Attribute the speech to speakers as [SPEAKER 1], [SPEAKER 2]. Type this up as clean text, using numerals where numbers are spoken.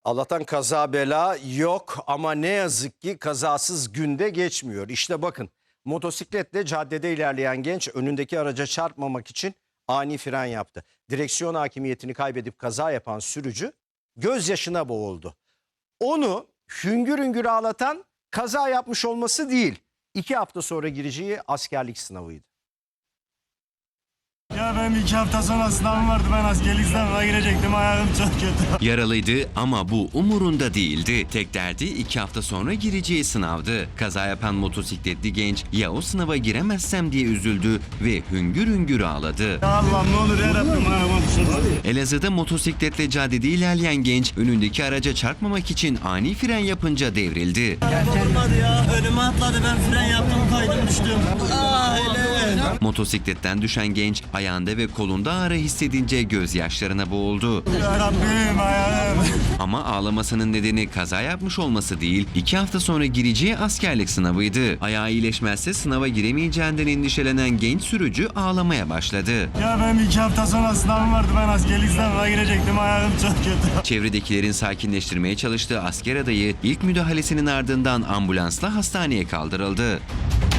[SPEAKER 1] Allah'tan kaza bela yok ama ne yazık ki kazasız günde geçmiyor. İşte bakın, motosikletle caddede ilerleyen genç önündeki araca çarpmamak için ani fren yaptı. Direksiyon hakimiyetini kaybedip kaza yapan sürücü gözyaşına boğuldu. Onu hüngür hüngür ağlatan kaza yapmış olması değil, 2 hafta sonra gireceği askerlik sınavıydı.
[SPEAKER 2] Ya benim 2 hafta sonra sınavım vardı, ben askerlik sınavına girecektim, ayağım çok kötü.
[SPEAKER 3] Yaralıydı ama bu umurunda değildi. Tek derdi 2 hafta sonra gireceği sınavdı. Kaza yapan motosikletli genç ya o sınava giremezsem diye üzüldü ve hüngür hüngür ağladı.
[SPEAKER 2] Ya Allah'ım ne olur yarabbim, ayağıma düşürdü.
[SPEAKER 3] Elazığ'da motosikletle caddede ilerleyen genç önündeki araca çarpmamak için ani fren yapınca devrildi.
[SPEAKER 2] Olmadı ya, önüme atladı, ben fren yaptım, kaydım düştüm. Aile.
[SPEAKER 3] Motosikletten düşen genç ayağında ve kolunda ağrı hissedince gözyaşlarına boğuldu.
[SPEAKER 2] Yarabbim ayağım.
[SPEAKER 3] Ama ağlamasının nedeni kaza yapmış olması değil, 2 hafta sonra gireceği askerlik sınavıydı. Ayağı iyileşmezse sınava giremeyeceğinden endişelenen genç sürücü ağlamaya başladı.
[SPEAKER 2] Ya benim 2 hafta sonra sınavım vardı, ben askerlik sınavına girecektim, ayağım çok kötü.
[SPEAKER 3] Çevredekilerin sakinleştirmeye çalıştığı asker adayı ilk müdahalesinin ardından ambulansla hastaneye kaldırıldı.